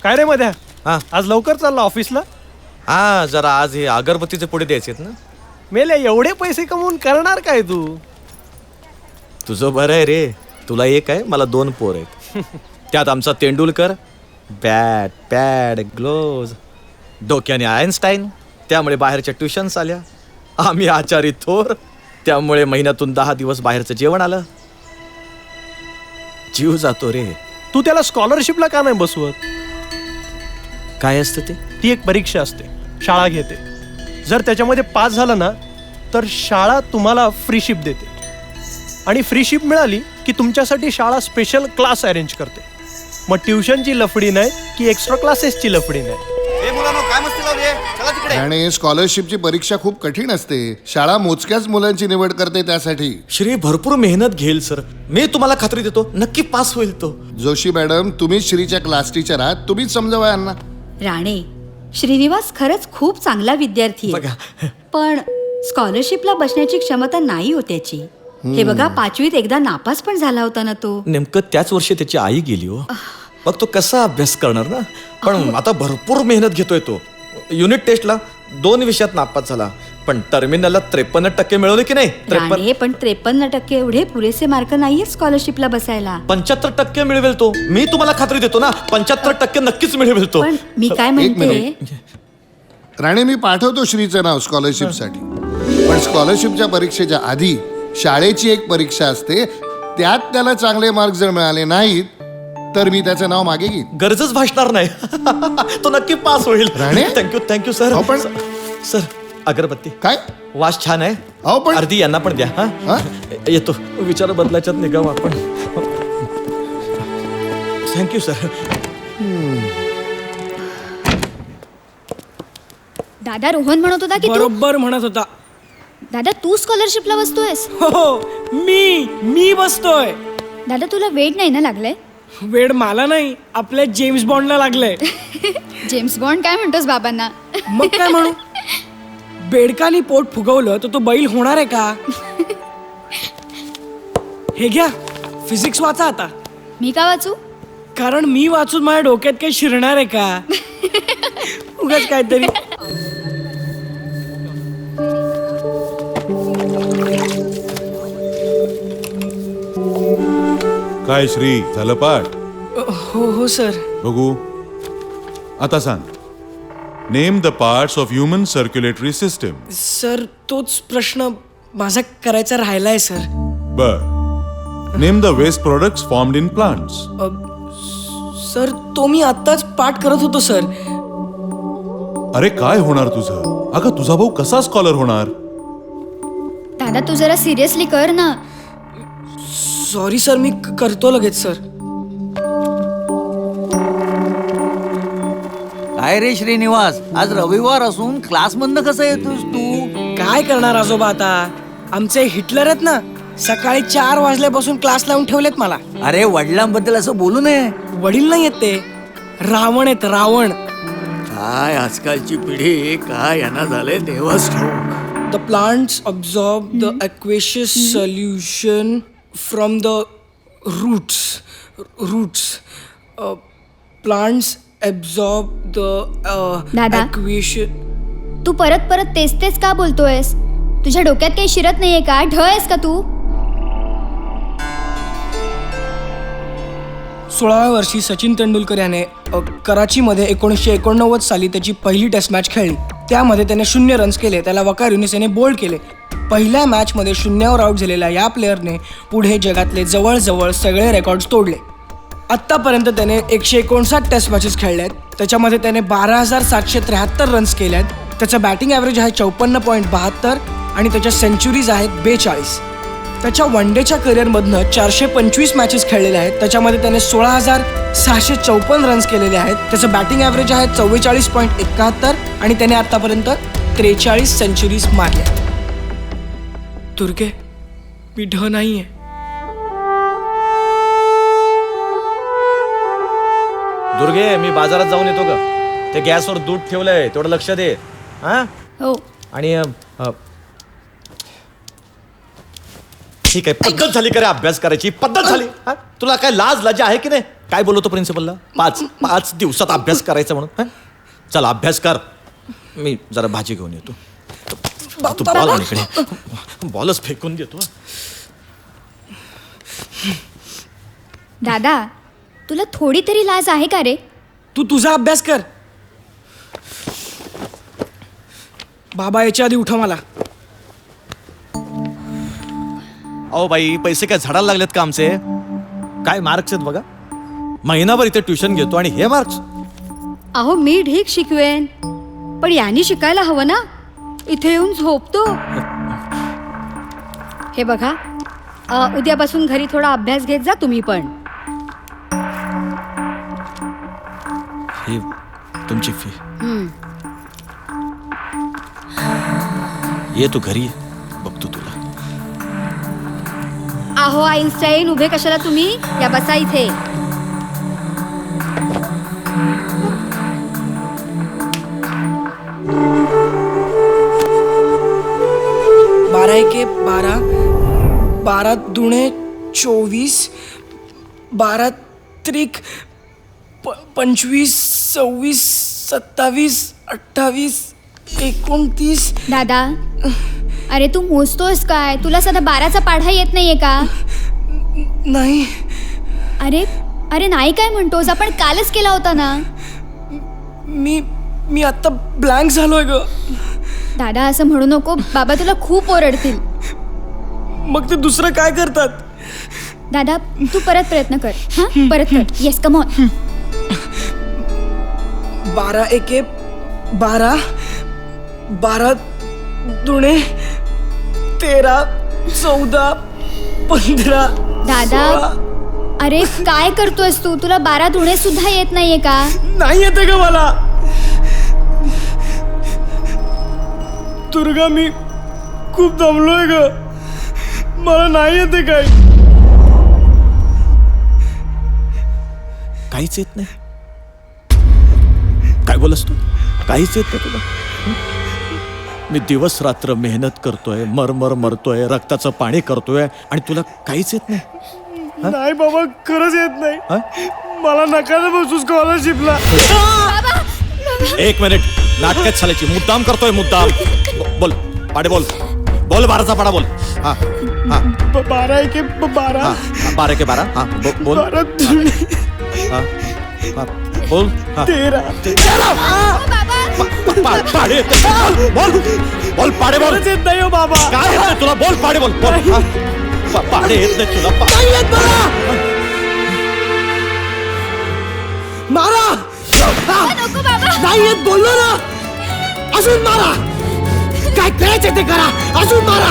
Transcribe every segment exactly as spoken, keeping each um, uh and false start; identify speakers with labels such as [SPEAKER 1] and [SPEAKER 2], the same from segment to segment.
[SPEAKER 1] काय रे मध्या,
[SPEAKER 2] हा
[SPEAKER 1] आज लवकर चालला ऑफिसला?
[SPEAKER 2] हा जरा आज हे अगरबत्तीचे पुढे द्यायचे ना.
[SPEAKER 1] मेले एवढे पैसे कमवून करणार काय तू?
[SPEAKER 2] तुझं बरं आहे रे, तुला एक आहे मला दोन पोर आहेत. त्यात आमचा तेंडुलकर बॅट पॅड ग्लोव्ज, डोक्याने आयन्स्टाईन त्यामुळे बाहेरच्या ट्युशन्स आल्या. आम्ही आचारी थोर त्यामुळे महिन्यातून दहा दिवस बाहेरचं जेवण आलं. जीव जातो रे.
[SPEAKER 1] तू त्याला स्कॉलरशिपला का नाही बसवत?
[SPEAKER 2] काय असतं ते?
[SPEAKER 1] ती एक परीक्षा असते, शाळा घेते. जर त्याच्यामध्ये पास झालं ना तर शाळा तुम्हाला फ्री शिप देते. आणि फ्री शिप मिळाली की तुमच्यासाठी शाळा स्पेशल क्लास अरेंज करते. मग ट्युशनची लफडी नाही की एक्स्ट्रा क्लासेसची लफडी नाही.
[SPEAKER 3] आणि स्कॉलरशिपची परीक्षा खूप कठीण असते. शाळा मोजक्याच मुलांची निवड करते त्यासाठी.
[SPEAKER 2] श्री भरपूर मेहनत घेईल सर, मी तुम्हाला खात्री देतो नक्की पास होईल तो.
[SPEAKER 3] जोशी मॅडम, तुम्हीच श्रीच्या क्लास टीचर आहात, तुम्हीच समजावा यांना.
[SPEAKER 4] राणे, श्रीनिवास खरंच खूप चांगला विद्यार्थी आहे,
[SPEAKER 2] बघा.
[SPEAKER 4] पण स्कॉलरशिपला बसण्याची क्षमता नाही हो त्याची. हे बघा, पाचवीत एकदा नापास पण झाला होता ना तो.
[SPEAKER 2] नेमकं त्याच वर्षी त्याची आई गेली हो. मग तो कसा अभ्यास करणार ना. पण आता भरपूर मेहनत घेतोय तो. युनिट टेस्टला दोन विषयात नापास झाला, पण टर्मिनलला त्रेपन्न टक्के मिळवले की नाही?
[SPEAKER 4] राणे, पण त्रेपन्न टक्के एवढे पुरेसे मार्क नाहीये स्कॉलरशिपला बसायला.
[SPEAKER 2] पंच्याहत्तर टक्के मिळवेल तो, मी तुम्हाला खात्री देतो ना. पंच्याहत्तर टक्के नक्कीच मिळवेल तो.
[SPEAKER 4] पण मी काय म्हणते,
[SPEAKER 3] राणे, मी पाठवतो श्रीचं नाव स्कॉलरशिपसाठी. पण स्कॉलरशिपच्या परीक्षेच्या आधी शाळेची एक परीक्षा असते, त्यात त्याला चांगले मार्क जर मिळाले नाहीत तर मी त्याचं नाव मागे घेईन.
[SPEAKER 2] गरजच भासणार नाही. तो नक्की पास होईल.
[SPEAKER 3] राणे?
[SPEAKER 2] Thank you thank you sir.
[SPEAKER 3] अहो, पण-
[SPEAKER 2] सर अगरबत्ती
[SPEAKER 3] काय?
[SPEAKER 2] वास छान आहे.
[SPEAKER 3] अहो, पण-
[SPEAKER 2] अर्धी यांना पण द्या.
[SPEAKER 3] हा?
[SPEAKER 2] हा येतो, विचार बदलाच्यात निघाव आपण. Thank you sir.
[SPEAKER 5] दादा, रोहन म्हणत होता की तू
[SPEAKER 6] बरोबर म्हणत होता.
[SPEAKER 5] दादा तू स्कॉलरशिपला बसतोयस?
[SPEAKER 6] हो, मी मी बसतोय.
[SPEAKER 5] दादा तुला वेड नाही ना लागलंय?
[SPEAKER 6] वेड मला नाही, आपल्या जेम्स बॉन्डला लागलंय.
[SPEAKER 5] जेम्स बॉन्ड काय म्हणतोस बाबांना?
[SPEAKER 6] मग काय म्हणू? बेडकानी पोट फुगवलं तर तो बैल होणार आहे का? हे घ्या, फिजिक्स वाचा आता.
[SPEAKER 5] मी का वाचू?
[SPEAKER 6] कारण मी वाचून माझ्या डोक्यात काही शिरणार आहे का? उगाच काहीतरी.
[SPEAKER 7] काय श्री, झालं पाठ?
[SPEAKER 6] हो हो सर.
[SPEAKER 7] बघू आता सांग. Name the parts of human circulatory system.
[SPEAKER 6] Sir, तोच प्रश्न माझा करायचा राहिलाय सर.
[SPEAKER 7] बर. Name the waste products formed in plants.
[SPEAKER 6] Sir, तो मी आत्ताच पाठ करत होतो सर.
[SPEAKER 7] अरे काय होणार तुझं? अगं तुझा भाऊ कसा स्कॉलर होणार?
[SPEAKER 5] दादा तू जरा सिरियसली कर ना.
[SPEAKER 6] सॉरी सर, मी क- करतो लगेच सर.
[SPEAKER 8] काय रे श्रीनिवास, आज रविवार असून क्लास बंद कसं येतोस तू?
[SPEAKER 6] काय करणार आजोबा आता? आमचे हिटलर आहेत ना, सकाळी चार वाजल्यापासून क्लास लावून ठेवलेत मला.
[SPEAKER 8] अरे वडिलांबद्दल असं बोलू नये.
[SPEAKER 6] वडील नाही आहेत ते, रावण आहेत रावण.
[SPEAKER 8] काय आजकालची पिढी, काय यांना झालंय देवाच ठाऊक.
[SPEAKER 6] The plants absorb the aqueous solution from the roots roots plants absorb the
[SPEAKER 5] दादा?
[SPEAKER 6] aqueous.
[SPEAKER 5] तू परत परत तेच तेच का बोलतोयस? तुझ्या डोक्यात काही शिरत नाहीये का? ढ आहेस का तू?
[SPEAKER 6] सोळाव्या वर्षी सचिन तेंडुलकर याने अ, कराचीमध्ये एकोणीसशे एकोणनव्वद साली त्याची पहिली टेस्ट मॅच खेळली. त्यामध्ये त्याने शून्य रन्स केले. त्याला वकार युनिस याने बोल्ड केले. पहिल्या मॅचमध्ये शून्यावर आऊट झालेल्या या प्लेअरने पुढे जगातले जवळजवळ सगळे रेकॉर्ड्स तोडले. आत्तापर्यंत त्याने एकशे एकोणसाठ टेस्ट मॅचेस खेळल्या आहेत. त्याच्यामध्ये त्याने बारा हजार सातशे त्र्याहत्तर रन्स केले आहेत. त्याचं बॅटिंग ॲव्हरेज आहे चौपन्न पॉईंट बहात्तर आणि त्याच्या सेंचुरीज आहेत बेचाळीस. त्याच्या वन डेच्या करिअरमधनं चारशे पंचवीस मॅचेस खेळलेले आहेत. त्याच्यामध्ये त्याने सोळा हजार सहाशे चौपन्न रन्स केलेले आहेत. त्याचं बॅटिंग ॲव्हरेज आहे चव्वेचाळीस पॉईंट एकाहत्तर आणि त्याने आत्तापर्यंत त्रेचाळीस सेंचुरीज मारल्या. दुर्गे, मी ढ नाही आहे.
[SPEAKER 2] दुर्गे, मी बाजारात जाऊन येतो ग. ते गॅसवर दूध ठेवलंय, तेवढं लक्ष दे. हा
[SPEAKER 5] हो.
[SPEAKER 2] आणि अ, अ, ठीक आहे, पद्धत झाली का रे अभ्यास करायची? पद्धत झाली. हा? तुला काय लाज लज्जा आहे की नाही? काय बोलवतो प्रिन्सिपलला? पाच पाच दिवसात अभ्यास करायचा म्हणून. हं? चल अभ्यास कर, मी जरा भाजी घेऊन येतो. तू बॉल आण इकडे, बॉलच फेकून देतो.
[SPEAKER 5] दादा तुला थोडी तरी लाज आहे का रे?
[SPEAKER 6] तू तुझा अभ्यास कर. बाबा याच्या आधी उठव मला.
[SPEAKER 2] अहो बाई, पैसे काय झाडाला लागलेत का आमचे? काय मार्क्स आहेत बघा. महिनाभर इथे ट्युशन घेतो आणि हे मार्क्स.
[SPEAKER 4] अहो मी ढीक शिकवेन, पण यांनी शिकायला हवं ना. इथे येऊन झोपतो. हे बघा, अ, उद्यापासून घरी थोडा अभ्यास घेत जा तुम्ही पण.
[SPEAKER 2] ही तुमची फी.
[SPEAKER 4] हम्म.
[SPEAKER 2] ये तू घरी, बघतो तुला.
[SPEAKER 4] अहो आईन्स्टाईन, उभे कशाला तुम्ही? या बसा इथे.
[SPEAKER 6] बारा एके बारा, बारा दुणे चोवीस, बारा त्रिक प पंचवीस, सव्वीस, सत्तावीस, अठ्ठावीस, एकोणतीस.
[SPEAKER 5] दादा अरे तू मोजतोस काय? तुला सध्या बाराचा पाढा येत नाहीये का?
[SPEAKER 6] नाही.
[SPEAKER 5] अरे अरे नाही काय म्हणतोस? आपण कालच केला होता ना.
[SPEAKER 6] मी मी आता ब्लँक झालोय ग.
[SPEAKER 5] दादा असं म्हणू नको, बाबा तुला खूप ओरडतील.
[SPEAKER 6] मग ते दुसरं काय करतात?
[SPEAKER 5] दादा तू परत प्रयत्न कर. हां परत कर. Yes come on.
[SPEAKER 6] बारा एके बारा, बारा दुणे तेरा, चौदा, पंधरा.
[SPEAKER 5] दादा अरे काय करतोयस तू? तुला बारा दुणे सुद्धा येत नाहीये का?
[SPEAKER 6] नाही येते का मला? दुर्गा मी खूप दमलोय ग, मला नाही येते काय.
[SPEAKER 2] काहीच येत नाही. काय बोलस तू? काहीच येत नाही तुला? हं? मी दिवस रात्र मेहनत करतोय, मरमर मरतोय, रक्ताचं पाणी करतोय आणि तुला काहीच येत नाही.
[SPEAKER 6] नाही बाबा, खरंच येत नाही.
[SPEAKER 2] हं?
[SPEAKER 6] मला नका ना बसू स्कॉलरशिपला.
[SPEAKER 2] एक मिनिट, नाटकात चालायची मुद्दाम करतोय, मुद्दाम. ब- बोल पाडे, बोल बोल बाराचा पाडा बोल. हा हा
[SPEAKER 6] बारा एके बारा,
[SPEAKER 2] हा बारा के बारा. हा बो- बोल.
[SPEAKER 6] बारा दुणे
[SPEAKER 2] हा हा बोल. हा
[SPEAKER 6] तेरा.
[SPEAKER 2] पा- पा- पाडे येते. बोल बोल पाडे बोल.
[SPEAKER 6] खरंच येत नाही हो बाबा.
[SPEAKER 2] काय येत नाही तुला? बोल पाडे बोल. बोल. हा. पा- पाडे येत नाही तुला? पा-
[SPEAKER 6] नाही येत मला. मारा. नाही येत बोललो ना. अजून मारा. काय करायचं ते करा. अजून मारा.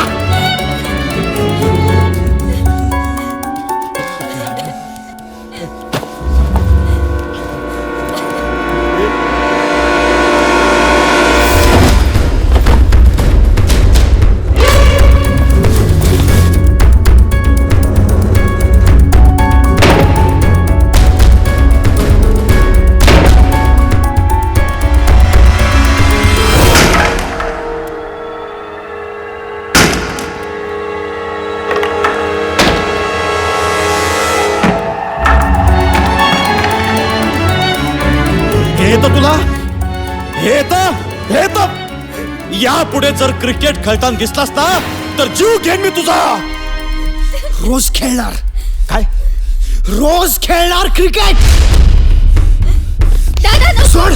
[SPEAKER 2] हे तर तुला हे तर हे तर यापुढे जर क्रिकेट खेळताना दिसलास ना तर जीव घेईन मी तुझा.
[SPEAKER 6] रोज खेळणार.
[SPEAKER 2] काय?
[SPEAKER 6] रोज खेळणार क्रिकेट.
[SPEAKER 5] दादा
[SPEAKER 6] सोड.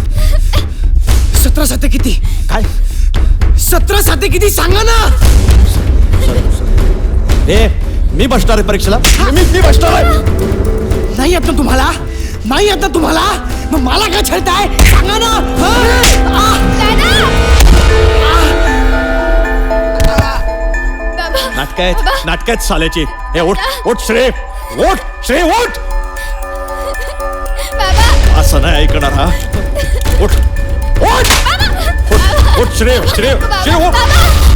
[SPEAKER 6] सतरा साते किती?
[SPEAKER 2] काय?
[SPEAKER 6] सतरा साते किती सांगा ना.
[SPEAKER 2] हे मी बसणार आहे परीक्षेला. मी मी बसणार आहे.
[SPEAKER 6] नाही येत ना तुम्हाला? नाही येत ना तुम्हाला? मग मला काय छळताय सांगा ना. हा? आ!
[SPEAKER 2] नाटकात नाटकात चालायची. हे ओठ ओठ श्रेय, ओठ श्रेय, ओठ. असं नाही ऐकणार. हा ओठ ओठ ओठ श्रेय, श्रेय, श्रेय, ओठ.